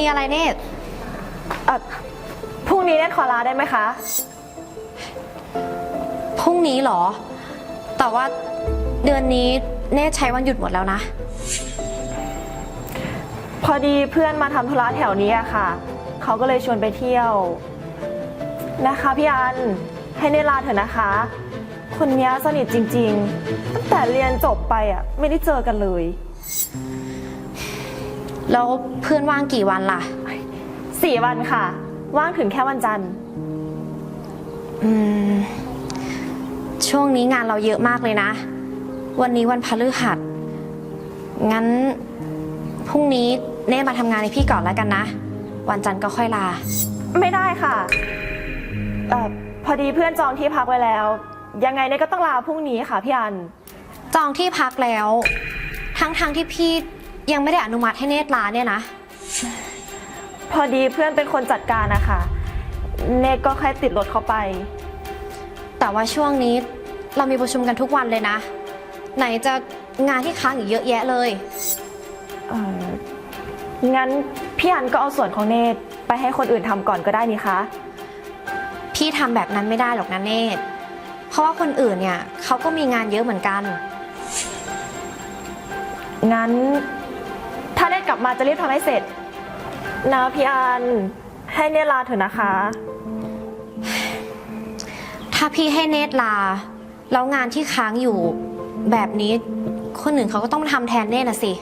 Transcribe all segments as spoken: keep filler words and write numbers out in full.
มีอะไรเนตรเอ่อพรุ่งนี้เนตรขอลาได้ไหมคะพรุ่งนี้เหรอแต่ว่าเดือนนี้เนตรใช้วันหยุดหมดแล้วนะพอดีเพื่อนมาทำธุระแถวนี้อะค่ะเขาก็เลยชวนไปเที่ยวนะคะพี่อันให้เนตรลาเถอะนะคะคนนี้สนิทจริงๆตั้งแต่เรียนจบไปอะไม่ได้เจอกันเลยแล้วเพื่อนว่างกี่วันล่ะสี่วันค่ะว่างถึงแค่วันจันทร์อืมช่วงนี้งานเราเยอะมากเลยนะวันนี้วันพฤหัสงั้นพรุ่งนี้เน่มาทำงานให้พี่ก่อนแล้วกันนะวันจันทร์ก็ค่อยลาไม่ได้ค่ะเอ่อพอดีเพื่อนจองที่พักไว้แล้วยังไงเน่ก็ต้องลาพรุ่งนี้ค่ะพี่อันจองที่พักแล้วทั้งๆ ท, ที่พี่ยังไม่ได้อนุมัติให้เนตรลาเนี่ยนะพอดีเพื่อนเป็นคนจัดการนะคะเนตก็แค่ติดรถเขาไปแต่ว่าช่วงนี้เรามีประชุมกันทุกวันเลยนะไหนจะงานที่ค้างอีกเยอะแยะเลยเอองั้นพี่อันก็เอาส่วนของเนตไปให้คนอื่นทำก่อนก็ได้นี่คะพี่ทำแบบนั้นไม่ได้หรอกนะเนตเพราะว่าคนอื่นเนี่ยเขาก็มีงานเยอะเหมือนกันงั้นถ้าเนตกลับมาจะรีบทำให้เสร็จนะพี่อันให้เนตลาเถอะนะคะถ้าพี่ให้เนตรลาแล้วงานที่ค้างอยู่แบบนี้คนอื่นเขาก็ต้องมาทำแทนเนตรนะสิ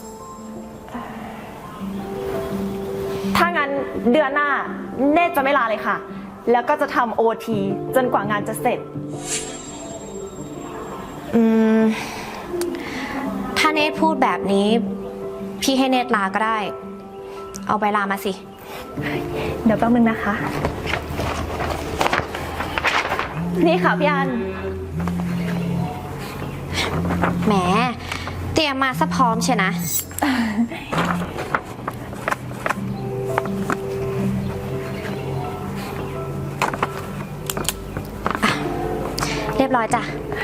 ถ้างั้นเดือนหน้าเนตจะไม่ลาเลยค่ะแล้วก็จะทำโอทีจนกว่างานจะเสร็จอืมถ้าเนตพูดแบบนี้พี่ให้เนตลาก็ได้เอาใบลามาสิเดี๋ยวแป๊บนึงนะคะนี่ค่ะพี่อันแหมเตรียมมาซะพร้อมเชียวนะเรียบร้อยจ้ะ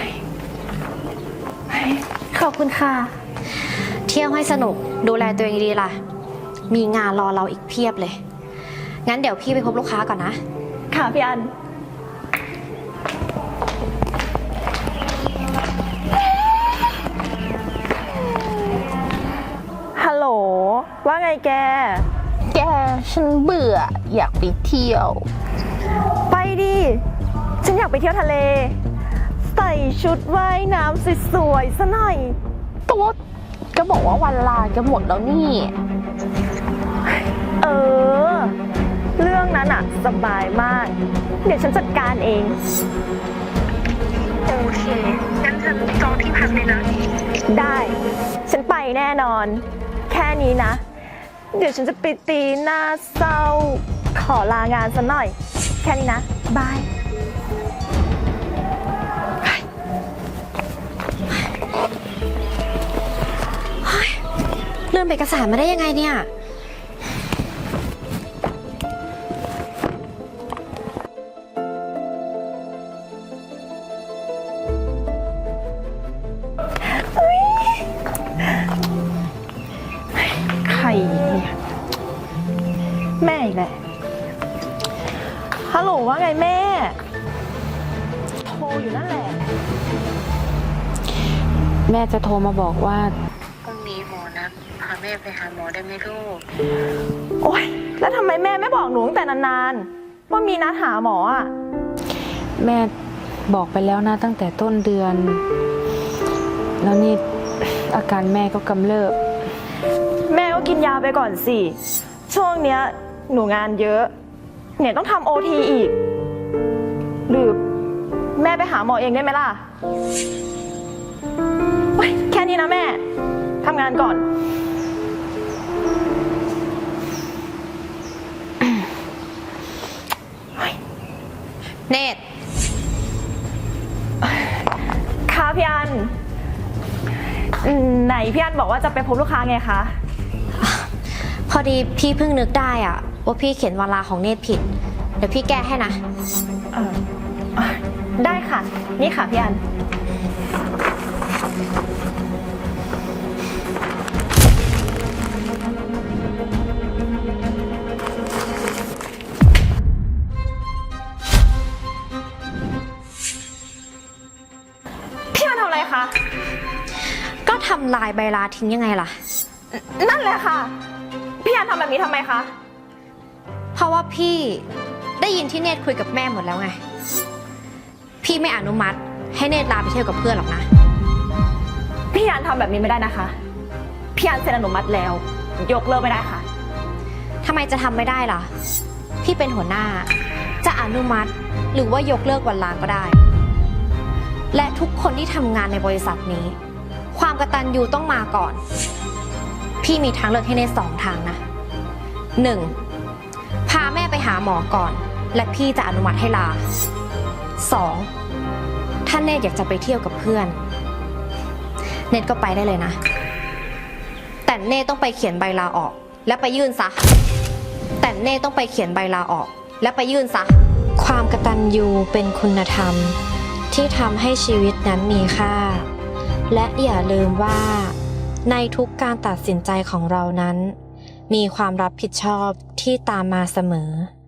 ขอบคุณค่ะเที่ยวให้สนุกดูแลตัวเองดีล่ะมีงานรอเราอีกเพียบเลยงั้นเดี๋ยวพี่ไปพบลูกค้าก่อนนะค่ะพี่อันฮัลโหลว่าไงแกแกฉันเบื่ออยากไปเที่ยวไปดิฉันอยากไปเที่ยวทะเลใส่ชุดว่ายน้ำสวยๆซะหน่อยตัวก็บอกว่าวันลาจะหมดแล้วนี่เออเรื่องนั้นอะสบายมากเดี๋ยวฉันจัดการเองโอเคงั้นฉันจองที่พักเลยนะได้ฉันไปแน่นอนแค่นี้นะเดี๋ยวฉันจะไปตีหน้าเศร้าขอลางานซะหน่อยแค่นี้นะบายลืมเอกสารมาได้ยังไงเนี่ยใครเนี่ยแม่อีกแหละฮัลโหลว่าไงแม่โทรอยู่นั่นแหละแม่จะโทรมาบอกว่าพรุ่งนี้หมอนัดพาแม่ไปหาหมอได้ไหมลูกโอ๊ยแล้วทำไมแม่ไม่บอกหนูตั้งแต่นานๆว่ามีนัดหาหมออ่ะแม่บอกไปแล้วนะตั้งแต่ต้นเดือนแล้วนี่อาการแม่ก็กำเริบแม่ก็กินยาไปก่อนสิช่วงเนี้ยหนูงานเยอะเนี่ยต้องทำโอทีอีกหรือแม่ไปหาหมอเองได้ไหมล่ะแค่นี้นะแม่ทำงานก่อนเนตรค่ะพี่อันไหนพี่อันบอกว่าจะไปพบลูกค้าไงคะพอดีพี่เพิ่งนึกได้อะว่าพี่เขียนวันลาของเนตรผิดเดี๋ยวพี่แก้ให้นะได้ค่ะนี่ค่ะพี่อันเทำลายใบลาทิ้งยังไงล่ะนั่นแหละค่ะ พี่อันทำแบบนี้ทำไมคะเพราะว่าพี่ได้ยินที่เนตรคุยกับแม่หมดแล้วไง พี่ไม่อนุมัติให้เนตรลาไปเที่ยวกับเพื่อนหรอกนะพี่อันทำแบบนี้ไม่ได้นะคะ พี่อันเซ็นอนุมัติแล้ว ยกเลิกไม่ได้ค่ะทำไมจะทำไม่ได้ล่ะ พี่เป็นหัวหน้า จะอนุมัติหรือว่ายกเลิกวันลาก็ได้ และทุกคนที่ทำงานในบริษัทนี้ ความกตัญญูต้องมาก่อน พี่มีทางเลือกให้ในสองทางนะ หนึ่ง พาแม่ไปหาหมอก่อน และพี่จะอนุมัติให้ลา สอง ถ้าเนตรอยากจะไปเที่ยวกับเพื่อน เนตรก็ไปได้เลยนะ แต่เนตรต้องไปเขียนใบลาออก และไปยื่นซะ แต่เน่ต้องไปเขียนใบลาออกและไปยื่นซะ ความกตัญญูเป็นคุณธรรมที่ทำให้ชีวิตนั้นมีค่า และอย่าลืมว่าในทุกการตัดสินใจของเรานั้น มีความรับผิดชอบที่ตามมาเสมอ